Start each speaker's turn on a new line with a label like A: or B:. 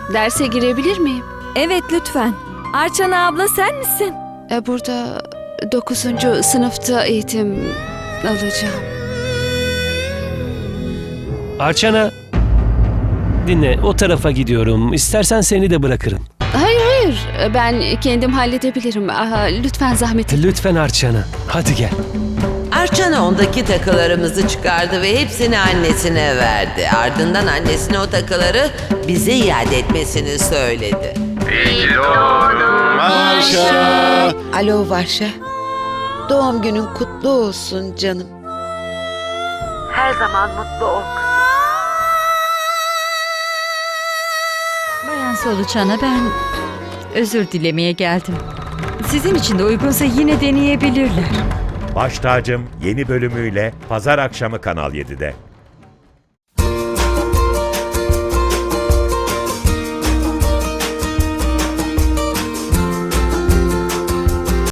A: Derse girebilir miyim?
B: Evet lütfen. Arçana abla sen misin?
A: Burada 9. sınıfta eğitim alacağım.
C: Arçana, dinle, o tarafa gidiyorum. İstersen seni de bırakırım.
A: Hayır, ben kendim halledebilirim. Lütfen zahmet etme.
C: Lütfen Arçana, hadi gel.
D: Arçana ondaki takılarımızı çıkardı ve hepsini annesine verdi. Ardından annesine o takıları bize iade etmesini söyledi.
E: Varşa.
F: Alo Varşa. Doğum günün kutlu olsun canım. Her zaman mutlu ol.
G: Bayan Solucan'a ben özür dilemeye geldim. Sizin için de uygunsa yine deneyebilirler.
H: Baş Tacım yeni bölümüyle pazar akşamı Kanal 7'de.